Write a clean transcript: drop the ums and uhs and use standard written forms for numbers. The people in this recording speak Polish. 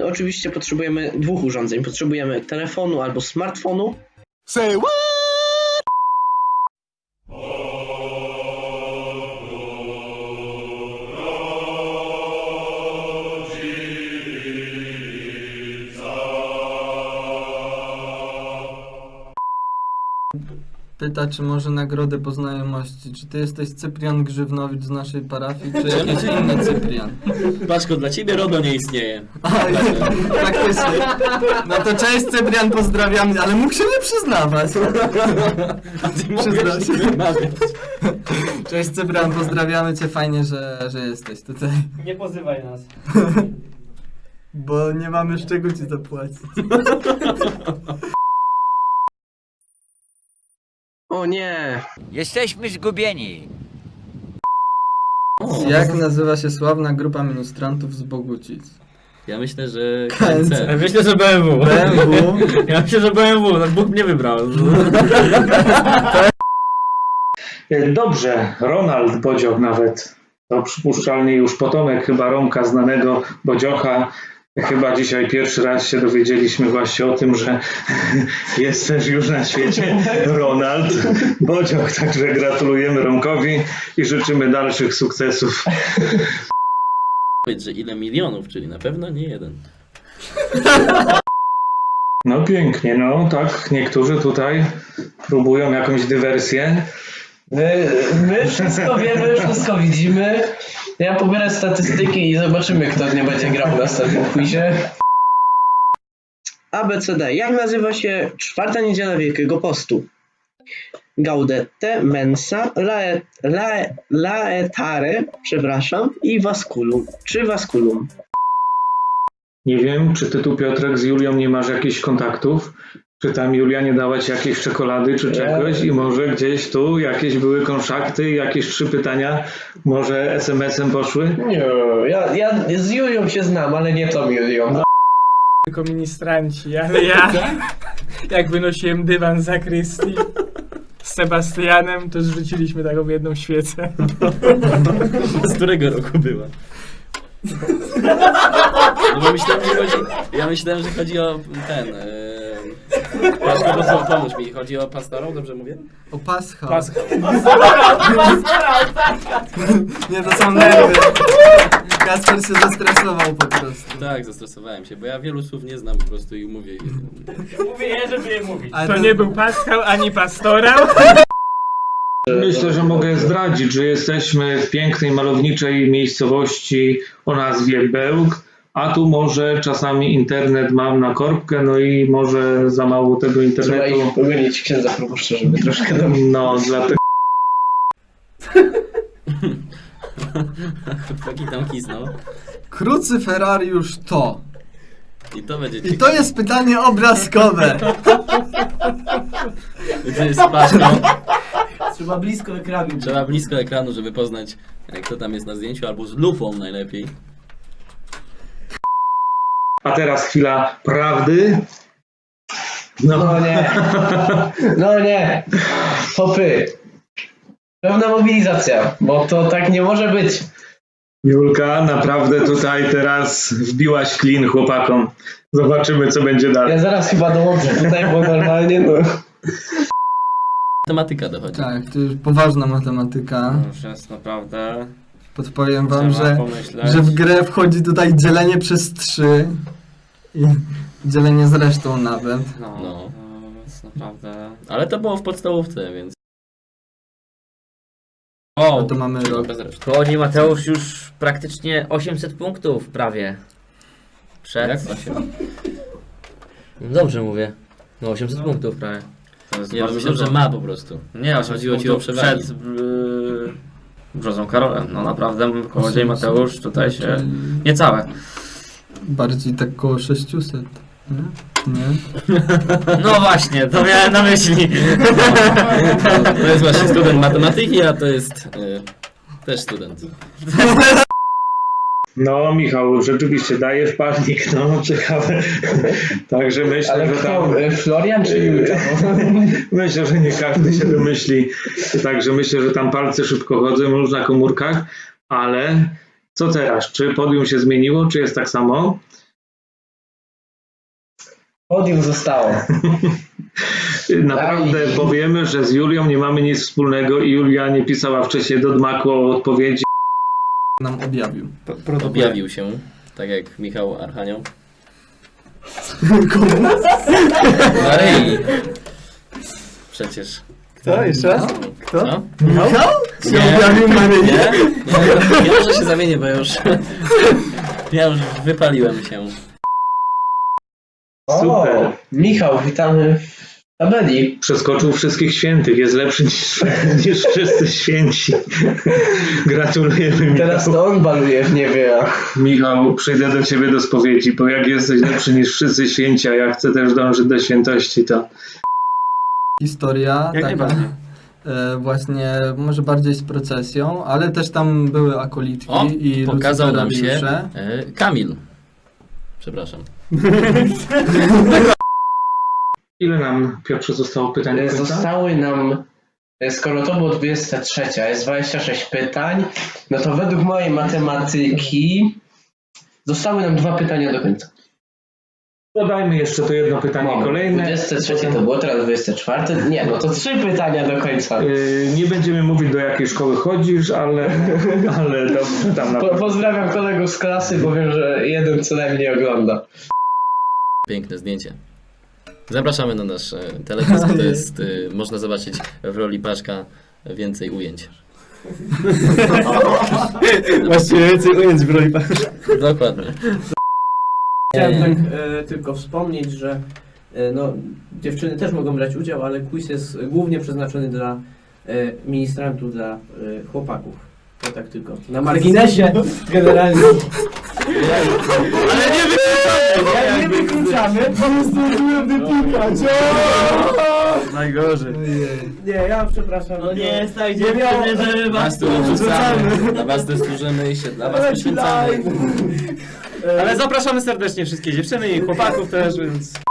oczywiście potrzebujemy dwóch urządzeń. Potrzebujemy telefonu albo smartfonu. Say what? Pyta, czy może nagrodę po znajomości. Czy ty jesteś Cyprian Grzywnowicz z naszej parafii, czy jakiś inny Cyprian? Paczko, dla ciebie RODO nie istnieje. Faktycznie. No to cześć Cyprian, pozdrawiam, ale mógł się nie przyznawać. A ty Przyznam się. mogłeś wymawiać. Cześć Cyprian, pozdrawiamy cię, fajnie, że jesteś tutaj. Nie pozywaj nas. Bo nie mamy z czego ci zapłacić. O nie! Jesteśmy zgubieni. Jak nazywa się sławna grupa ministrantów z Bogucic? Ja myślę, że KNC. KNC. Myślę, że BMW. BMW. Ja myślę, że BMW. No Bóg mnie wybrał. Dobrze, Ronald Bodzioch nawet. To przypuszczalnie już potomek chyba Romka, znanego Bodziocha. Chyba dzisiaj pierwszy raz się dowiedzieliśmy właśnie o tym, że jest też już na świecie Ronald Bodzioch. Także gratulujemy Romkowi i życzymy dalszych sukcesów. Powiedz, że ile milionów, czyli na pewno nie jeden. No pięknie, no tak, niektórzy tutaj próbują jakąś dywersję. My wszystko wiemy, wszystko widzimy. Ja pobierę statystyki i zobaczymy, kto nie będzie grał w następnym quizie. ABCD. Jak nazywa się czwarta niedziela Wielkiego Postu? Gaudete, mensa, laetare, przepraszam, i vasculum. Czy vasculum? Nie wiem, czy ty tu, Piotrek, z Julią nie masz jakichś kontaktów? Czy tam Julia nie dała ci jakiejś czekolady czy czegoś i może gdzieś tu jakieś były konszakty, jakieś 3 pytania może SMS-em poszły? Nie, ja z Julią się znam, ale nie tą Julią. Tylko ministranci, ale ja jak wynosiłem dywan z zakrystii z Sebastianem, to zrzuciliśmy taką jedną świecę. Z którego roku była? No bo ja myślałem, że chodzi o ten... Paczko, pomóż mi. Chodzi o pastorą, dobrze mówię? O Paschał. Paschał. Nie, to są nerwy. Kasper się zestresował po prostu. Tak, zestresowałem się, bo ja wielu słów nie znam po prostu i mówię. Mówię je, żeby je mówić. Ale To to- nie był Paschał ani pastorał. Myślę, że mogę zdradzić, że jesteśmy w pięknej, malowniczej miejscowości o nazwie Bełk, a tu może czasami internet mam na korbkę, no i może za mało tego Trzeba internetu. ich pomylić księdza proboszcza, żeby troszkę nam... No, dlatego Chłopaki tam kisnął. Krucyferariusz to. I to będzie I to jest pytanie obrazkowe. To jest paczką. Trzeba blisko ekranu. Trzeba blisko ekranu, żeby poznać, kto tam jest na zdjęciu, albo z lupą najlepiej. A teraz chwila prawdy. No nie. No nie. Hopy. Pewna mobilizacja, bo to tak nie może być. Julka, naprawdę tutaj teraz wbiłaś klin chłopakom. Zobaczymy, co będzie dalej. Ja zaraz chyba dołączę tutaj, bo normalnie no... Matematyka dochodzi. Tak, to już poważna matematyka. Już jest naprawdę... Podpowiem wam, Trzeba że pomyśleć. w grę wchodzi tutaj dzielenie przez 3 i dzielenie z resztą nawet. No, to jest naprawdę... Ale to było w podstawówce, więc... No to mamy rok. Bez reszty. Chodzi Mateusz już praktycznie 800 punktów prawie. Przed. Jak 8? No dobrze mówię. No 800 punktów prawie. To jest myślę, że ma po prostu. Nie, Chodziło ci o przewagi. przed Brzozą Karolem. No naprawdę Kołodziej Mateusz tutaj się... Niecałe. Bardziej tak koło 600. Nie? Nie? No właśnie, to miałem na myśli. To jest właśnie student matematyki, a to jest też student. No, Michał, rzeczywiście dajesz palnik, no ciekawe. Także myślę, Ale że kto? tam... Florian czy Julka? Myślę, że nie każdy się domyśli. Także myślę, że tam palce szybko chodzą już na komórkach, ale co teraz? Czy podium się zmieniło, czy jest tak samo? Podium zostało. Naprawdę Daj. powiemy, że z Julią nie mamy nic wspólnego i Julia nie pisała wcześniej do Dmaku o odpowiedzi. Nam objawił. Objawił się, tak jak Michał Archanioł. Maryi. Przecież. Kto? Jeszcze raz? Kto? Co? Michał? Nie, objawił Maryi? nie, ja może się zamienię, bo ja już wypaliłem się. Super. O, Michał, witamy w tabeli. Przeskoczył wszystkich świętych, jest lepszy niż wszyscy święci. Gratulujemy, Michał. Teraz to on baluje w niebie. Michał, przyjdę do ciebie do spowiedzi, bo jak jesteś lepszy niż wszyscy święci, a ja chcę też dążyć do świętości, to Historia Jak taka najbardziej. właśnie może bardziej z procesją, ale też tam były akoliczki O, i pokazał nam się luciferiusze. Kamil. Przepraszam. ile nam, Piotrze, zostało pytań do końca? Zostały nam, skoro to było 23, a jest 26 pytań, no to według mojej matematyki zostały nam 2 pytania do końca. Dodajmy jeszcze to jedno pytanie kolejne. 23 to było, teraz 24. Nie, no to 3 pytania do końca. Nie będziemy mówić, do jakiej szkoły chodzisz, ale dobrze tam na Pozdrawiam kolegów z klasy, bo wiem, że jeden co najmniej ogląda. Piękne zdjęcie. Zapraszamy na nasz teledysk. To jest, można zobaczyć w roli Paszka więcej ujęć. Właściwie więcej ujęć w roli Paszka. Dokładnie. Chciałem tak tylko wspomnieć, że no, dziewczyny też mogą brać udział, ale quiz jest głównie przeznaczony dla ministrantów, dla chłopaków. To tak tylko. Na marginesie generalnie. Ale nie wykluczamy! Bo zdążyłem wypikać! Najgorzej. Nie, ja przepraszam. No nie jest tak, Nie żeby was tu odrzucamy. Dla was też służymy i się dla was poświęcamy. Ale zapraszamy serdecznie wszystkie dziewczyny i chłopaków też, więc...